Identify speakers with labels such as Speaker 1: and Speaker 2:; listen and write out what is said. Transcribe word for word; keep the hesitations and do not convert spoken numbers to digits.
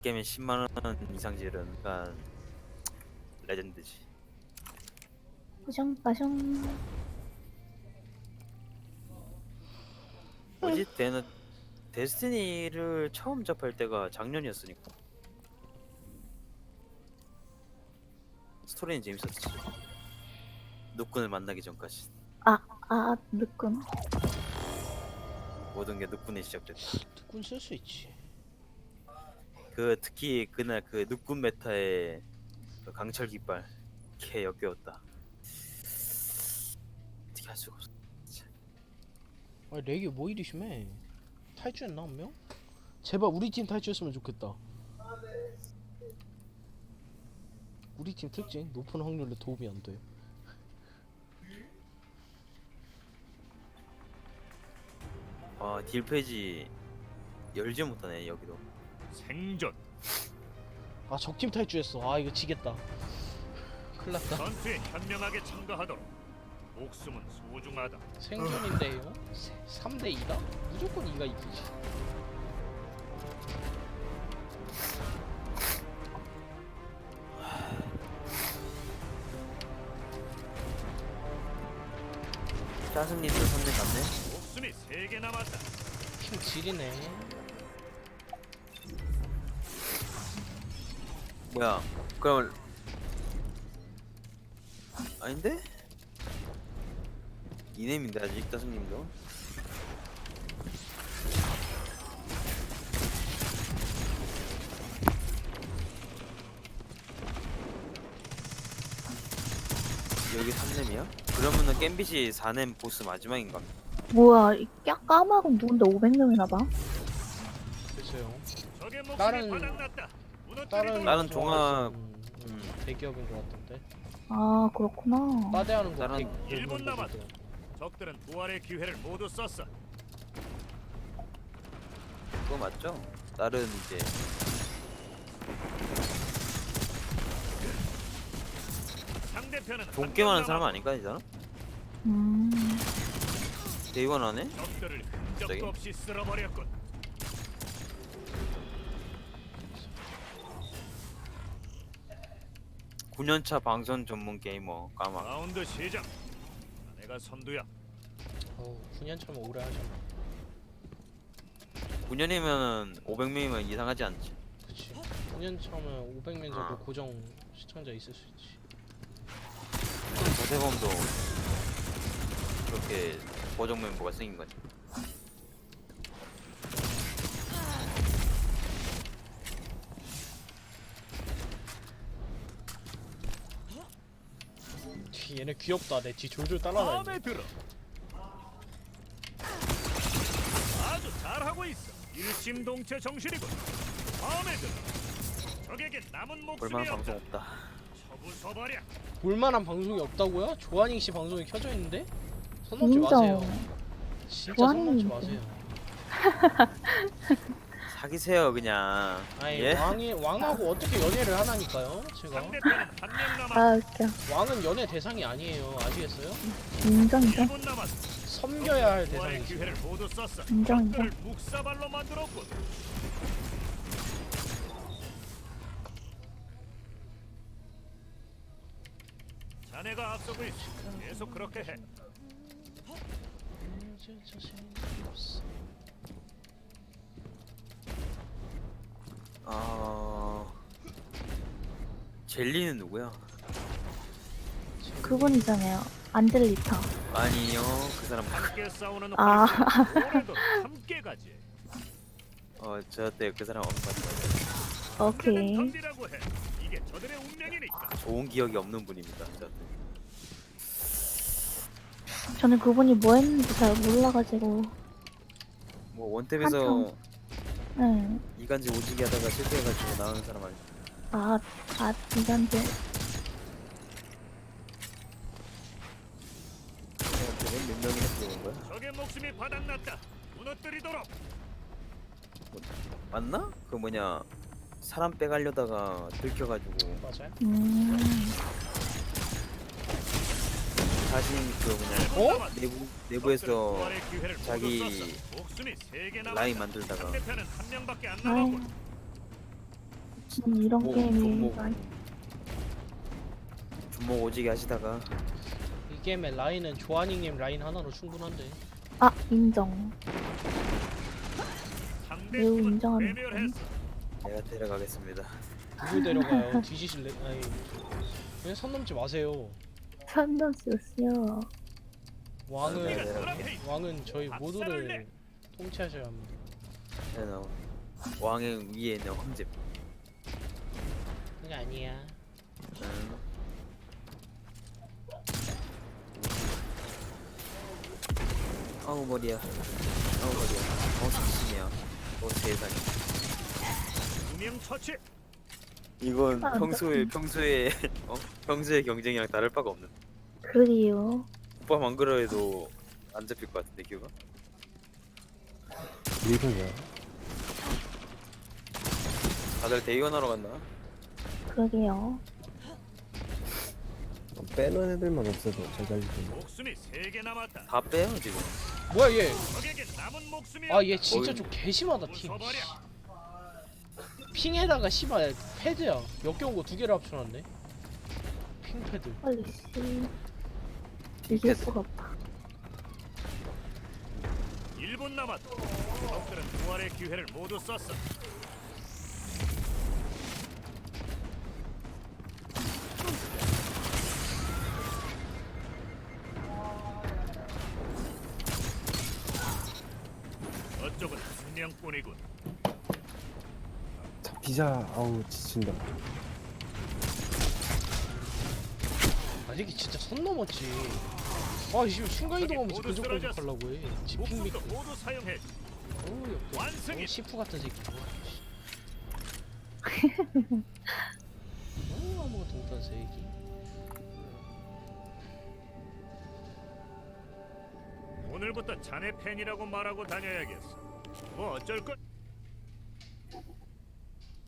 Speaker 1: 게임에 십만 원 이상 지르니까 레전드지.
Speaker 2: 빠숑빠숑.
Speaker 1: 뭐지? 데는 데스티니를 처음 접할 때가 작년이었으니까 스토리는 재밌었지. 누꾼을 만나기 전까지
Speaker 2: 아, 아, 늦군.
Speaker 1: 모든 게 누꾼에 시작됐다.
Speaker 3: 특군 쓸 수 있지.
Speaker 1: 그 특히 그날 그 누꾼 메타의 그 강철 깃발 개 역겨웠다. 어떻게 할 수가 없어.
Speaker 3: 아 렉이 뭐 이리 심해? 탈주했나 한 명? 제발 우리 팀 탈주했으면 좋겠다. 우리 팀 특징 높은 확률로 도움이 안 돼.
Speaker 1: 아, 딜 페이지 열지 못하네 여기도.
Speaker 4: 생존.
Speaker 3: 아 적팀 탈주했어. 아 이거 지겠다. 큰일났다.
Speaker 4: 전투에 현명하게 참가하도록. 목숨은 소중하다.
Speaker 3: 생존인데요? 삼 대 이다? 무조건 이가 이기지.
Speaker 1: 짜증님도 선택 갔네.
Speaker 4: 목숨이 세 개 남았다.
Speaker 3: 팀 지리네.
Speaker 1: 뭐야? 그럼 아닌데? 이nem인데 아직 짜증님도. 여기 삼nem이야? 그러면은 겜빗이 사nem 보스 마지막인가?
Speaker 2: 뭐야, 이 까- 까마귀 누군데 오백 명이나 봐?
Speaker 3: 글쎄요.
Speaker 4: 적의 목숨이
Speaker 3: 다른-
Speaker 4: 바닥났다.
Speaker 3: 다른
Speaker 4: 무너뜨리도록.
Speaker 1: 다른 종합-
Speaker 3: 음,
Speaker 1: 음.
Speaker 3: 대기업인 것 같던데.
Speaker 2: 아, 그렇구나.
Speaker 3: 빠대하는 거.
Speaker 1: 다른-
Speaker 3: 백-
Speaker 4: 일 분
Speaker 3: 백
Speaker 4: 남았다.
Speaker 3: 명이거든.
Speaker 4: 적들은 부활의 기회를 모두 썼어.
Speaker 1: 그거 맞죠? 다른 이제
Speaker 4: 상대편은 한
Speaker 1: 돈 게임
Speaker 4: 명
Speaker 1: 하는 사람
Speaker 4: 남았고
Speaker 1: 아닌가 이 사람?
Speaker 2: 음,
Speaker 1: 대의원 하네?
Speaker 4: 적들을
Speaker 1: 갑자기?
Speaker 4: 흔적도 없이 쓸어버렸군.
Speaker 1: 구 년차 방송 전문 게이머 까마.
Speaker 4: 라운드 시작. 내가 선두야.
Speaker 3: 어우 구 년 차면 오래 하잖아.
Speaker 1: 구 년이면은 오백 명이면 이상하지 않지.
Speaker 3: 그치. 구 년 차면 오백 명 정도
Speaker 1: 어.
Speaker 3: 고정 시청자 있을 수 있지.
Speaker 1: 조세범도 그렇게 고정 멤버가 생긴 거지.
Speaker 3: 뒤 얘네 귀엽다. 내 뒤 졸졸 따라다니네.
Speaker 4: 마음에 들어. 아주 잘하고 있어. 일심동체 정신이군. 마음에 들어. 적에게 남은 목숨이
Speaker 1: 볼만한
Speaker 4: 없다.
Speaker 1: 방송 없다.
Speaker 4: 처부숴버려.
Speaker 3: 볼만한 방송이 없다고요? 조한잉 씨 방송이 켜져 있는데? 손 놓지
Speaker 2: 진짜.
Speaker 3: 마세요. 진짜 손 놓지
Speaker 2: 조한잉
Speaker 3: 마세요.
Speaker 1: 사귀세요 그냥.
Speaker 3: 아니
Speaker 1: 예?
Speaker 3: 왕이 왕하고 어떻게 연애를 하나니까요? 제가
Speaker 4: 상대편은 한 명 남았다.
Speaker 2: 아, 웃겨.
Speaker 3: 왕은 연애 대상이 아니에요. 아시겠어요?
Speaker 2: 인정, 인정.
Speaker 4: 일 분 남았어.
Speaker 3: 섬겨야 할
Speaker 4: 부활의
Speaker 3: 대상이지.
Speaker 4: 기회를 모두 썼어.
Speaker 2: 인정, 인정.
Speaker 4: 적들을 묵사발로 만들었군. 자네가 앞서고 있어. 계속 그렇게 해.
Speaker 1: 아 젤리는 누구야?
Speaker 2: 그분이잖아요. 안젤리타.
Speaker 1: 아니요 그 사람.
Speaker 4: 함께 싸우는
Speaker 2: 아.
Speaker 4: 활동. 오늘도 함께 가지.
Speaker 1: 어 저때 그 사람 엄청 맞죠.
Speaker 2: 오케이.
Speaker 4: 던지라고 해. 이게 저들의 운명이니까.
Speaker 1: 좋은 기억이 없는 분입니다. 저한테.
Speaker 2: 저는 그분이 뭐 했는지 잘 몰라가지고.
Speaker 1: 뭐 원탭에서
Speaker 2: 네.
Speaker 1: 이간질 오지게 하다가 실패해가지고 나오는 사람 아니야?
Speaker 2: 아, 아, 이간데.
Speaker 1: 몇 명이나 들어온 거야?
Speaker 4: 적의 목숨이 바닥났다. 무너뜨리도록.
Speaker 1: 맞나? 그 뭐냐 사람 빼가려다가 들켜가지고
Speaker 3: 맞아요?
Speaker 2: 음,
Speaker 1: 자신 그 뭐냐
Speaker 3: 어?
Speaker 1: 내부 내부에서 자기
Speaker 4: 목숨이 세개
Speaker 1: 라인 만들다가
Speaker 4: 상대편은 한 명밖에 안
Speaker 2: 아이,
Speaker 4: 남았군.
Speaker 2: 음, 이런
Speaker 1: 뭐,
Speaker 2: 게임이
Speaker 1: 뭐.
Speaker 2: 많이
Speaker 1: 주먹 오지게 하시다가
Speaker 3: 이 게임의 라인은 조아닝님 라인 하나로 충분한데.
Speaker 2: 아 인정.
Speaker 4: 상대
Speaker 2: 매우
Speaker 4: 팀은
Speaker 2: 인정하는
Speaker 4: 괴멸했어.
Speaker 1: 내가 데려가겠습니다.
Speaker 3: 누구 데려가요? 뒤지실래? 아니 그냥 선 넘지 마세요.
Speaker 2: 선도 쓰세요.
Speaker 3: 왕은
Speaker 1: 내가 데려갈게.
Speaker 3: 왕은 저희 모두를 통치하셔야 합니다.
Speaker 1: 네, 나 왕의 위에 있는 황제.
Speaker 3: 그게 아니야.
Speaker 1: 응. 아우 머리야. 아우 머리야. 어 사심이야. 어 세상에.
Speaker 4: 두명 처치.
Speaker 1: 이건
Speaker 2: 아,
Speaker 1: 평소에
Speaker 2: 어떡해.
Speaker 1: 평소에 어 평소의 경쟁이랑 다를 바가 없는.
Speaker 2: 그리요.
Speaker 1: 오빠만 그러해도 안 잡힐 것 같은데 기우가?
Speaker 5: 이거야.
Speaker 1: 다들 대의원하러 갔나?
Speaker 2: 그러게요.
Speaker 5: 빼는 애들만 없어도 잘 달리던데.
Speaker 4: 목숨이 세 개 남았다.
Speaker 1: 다 빼요 지금.
Speaker 3: 뭐야 얘?
Speaker 4: 적에게 남은 목숨이
Speaker 3: 아 얘 진짜
Speaker 1: 어이.
Speaker 3: 좀 개심하다 팀.
Speaker 4: 부숴버려.
Speaker 3: 핑에다가 씨발 패드야. 역겨운 거 두 개를 합쳐놨네. 핑 패드.
Speaker 2: 빨리 씨. 이길 수가 없다.
Speaker 4: 일 분 남았다. 적들은 부활의 기회를 모두 썼어. 저쪽은 한 명뿐이군.
Speaker 5: 잡히자. 아우 지친다.
Speaker 3: 아 이게 진짜 선 넘었지. 아 지금 순간 이동하면서
Speaker 4: 모두
Speaker 3: 근접
Speaker 4: 쓰러졌어.
Speaker 3: 공격하려고 해. 지핑
Speaker 4: 목숨도
Speaker 3: 미크.
Speaker 4: 모두 사용해.
Speaker 3: 어우 역겨.
Speaker 4: 완승이다.
Speaker 3: 어, 시프 같은 새끼. 어 아무것도 못하는 새끼.
Speaker 4: 오늘부터 자네 팬이라고 말하고 다녀야겠어. 뭐 어쩔 것?